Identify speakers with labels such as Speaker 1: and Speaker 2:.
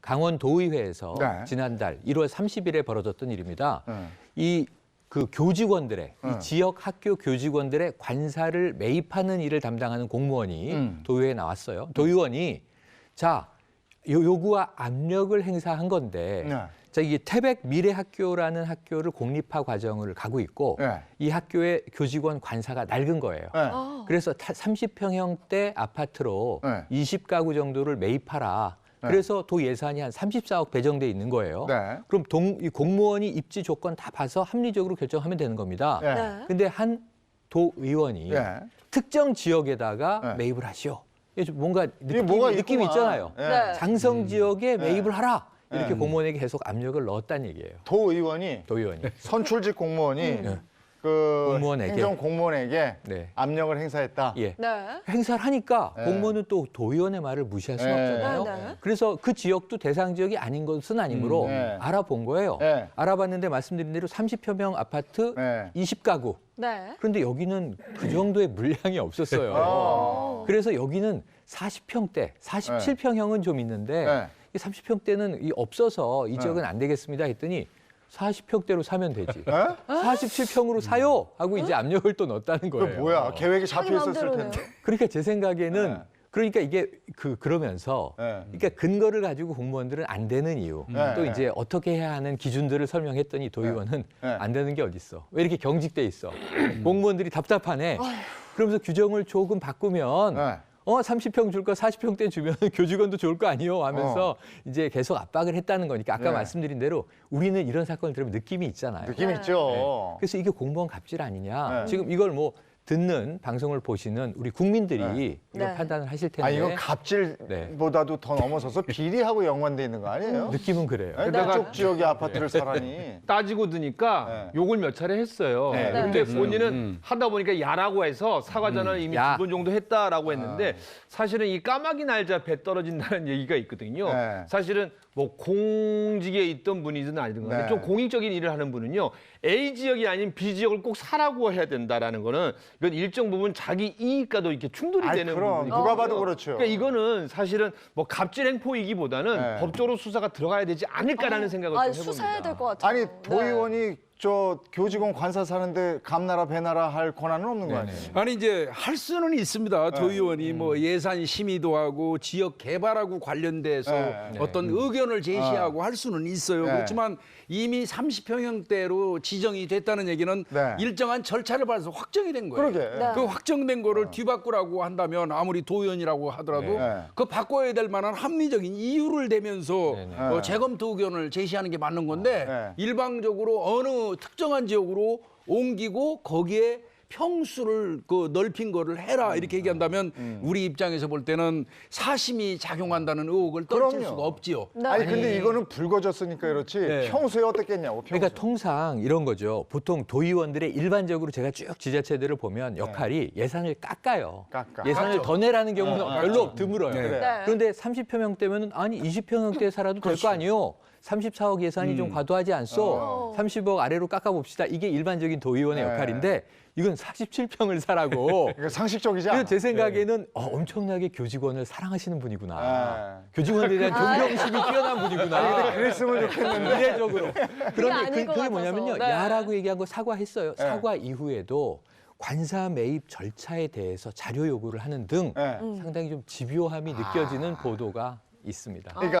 Speaker 1: 강원도의회에서
Speaker 2: 네.
Speaker 1: 지난달 1월 30일에 벌어졌던 일입니다. 그 교직원들의 이 지역 학교 교직원들의 관사를 매입하는 일을 담당하는 공무원이 도의회에 나왔어요. 도의원이 자 요구와 압력을 행사한 건데 자 이게 태백 미래학교라는 학교를 공립화 과정을 가고 있고 이 학교의 교직원 관사가 낡은 거예요. 그래서 30평형대 아파트로 20가구 정도를 매입하라. 그래서 도 예산이 한 34억 배정돼 있는 거예요. 그럼 이 공무원이 입지 조건 다 봐서 합리적으로 결정하면 되는 겁니다. 근데 한 도의원이 특정 지역에다가 매입을 하시오. 뭔가 느낌이 있잖아요. 장성 지역에 매입을 하라. 이렇게 공무원에게 계속 압력을 넣었다는 얘기예요.
Speaker 2: 도의원이 선출직 공무원이 그 행정 공무원에게 압력을 행사했다.
Speaker 1: 행사를 하니까 공무원은 또 도의원의 말을 무시할 수는 없잖아요. 그래서 그 지역도 대상 지역이 아닌 것은 아니므로 알아본 거예요. 알아봤는데 말씀드린 대로 30여 명 아파트 20가구. 그런데 여기는 그 정도의 물량이 없었어요. 그래서 여기는 40평대, 47평형은 좀 있는데 30평대는 없어서 이 지역은 안 되겠습니다 했더니 40평대로 사면 되지. 47평으로 사요 하고 이제 압력을 또 넣었다는 거예요.
Speaker 2: 그 뭐야? 계획이 잡혀 있었을 텐데.
Speaker 1: 그러니까 제 생각에는 그러니까 이게 그러면서 그러니까 근거를 가지고 공무원들은 안 되는 이유 또 이제 어떻게 해야 하는 기준들을 설명했더니 도의원은 안 되는 게 어딨어. 왜 이렇게 경직돼 있어. 공무원들이 답답하네. 그러면서 규정을 조금 바꾸면 30평 줄 거 40평대 주면 교직원도 좋을 거 아니요 하면서 이제 계속 압박을 했다는 거니까 아까 말씀드린 대로 우리는 이런 사건을 들으면 느낌이 있잖아요.
Speaker 2: 느낌 있죠.
Speaker 1: 그래서 이게 공무원 갑질 아니냐. 지금 이걸 뭐 듣는 방송을 보시는 우리 국민들이 이걸 판단을 하실 텐데.
Speaker 2: 이건 갑질보다도 더 넘어서서 비리하고 연관돼 있는 거 아니에요?
Speaker 1: 느낌은 그래요.
Speaker 2: 그쪽 지역의 아파트를 사라니.
Speaker 3: 따지고 드니까 욕을 몇 차례 했어요. 근데 본인은 하다 보니까 야라고 해서 사과 전화를 이미 2번 정도 했다라고 했는데 사실은 이 까마귀 날자 배 떨어진다는 얘기가 있거든요. 사실은 뭐 공직에 있던 분이든 아니든 간에 좀 공익적인 일을 하는 분은요. A 지역이 아닌 B 지역을 꼭 사라고 해야 된다라는 거는 이건 일정 부분 자기 이익과도 이렇게 충돌이 되는 부분이거든요.
Speaker 2: 누가 봐도 그렇죠.
Speaker 3: 그러니까 이거는 사실은 뭐 갑질 행포이기보다는 법적으로 수사가 들어가야 되지 않을까라는 생각을 좀 해봅니다.
Speaker 4: 수사해야 될 것 같아요.
Speaker 2: 아니 도의원이 저 교직원 관사 사는데 감나라 배나라 할 권한은 없는 거 아니에요?
Speaker 5: 아니 이제 할 수는 있습니다. 도의원이 뭐 예산 심의도 하고 지역 개발하고 관련돼서 어떤 의견을 제시하고 할 수는 있어요. 그렇지만 이미 30평형대로 지정이 됐다는 얘기는 일정한 절차를 밟아서 확정이 된 거예요. 그 확정된 거를 뒤바꾸라고 한다면 아무리 도의원이라고 하더라도 그 바꿔야 될 만한 합리적인 이유를 대면서 재검토 의견을 제시하는 게 맞는 건데 일방적으로 어느 특정한 지역으로 옮기고 거기에 평수를 넓힌 거를 해라 이렇게 얘기한다면 우리 입장에서 볼 때는 사심이 작용한다는 의혹을 떨칠 수가 없지요.
Speaker 2: 아니 근데 이거는 불거졌으니까 그렇지 평소에 어떻겠냐고.
Speaker 1: 그러니까 통상 이런 거죠. 보통 도의원들의 일반적으로 제가 쭉 지자체들을 보면 역할이 예산을 깎아요. 예산을 더 내라는 경우는 별로 드물어요. 그런데 30평 형대면 아니 20평 형대에 살아도 될 거 아니에요. 34억 예산이 좀 과도하지 않소. 30억 아래로 깎아봅시다. 이게 일반적인 도의원의 역할인데 이건 47평을 사라고.
Speaker 2: 그러니까 상식적이지 않아.
Speaker 1: 그래서 제 생각에는 엄청나게 교직원을 사랑하시는 분이구나. 교직원에 대한 존경심이 뛰어난 분이구나.
Speaker 2: 그랬으면 좋겠는데.
Speaker 1: 이례적으로. 그런데 그게 뭐냐면요. 야라고 얘기한 거 사과했어요. 사과 이후에도 관사 매입 절차에 대해서 자료 요구를 하는 등 상당히 좀 집요함이 느껴지는 보도가 있습니다.
Speaker 2: 그러니까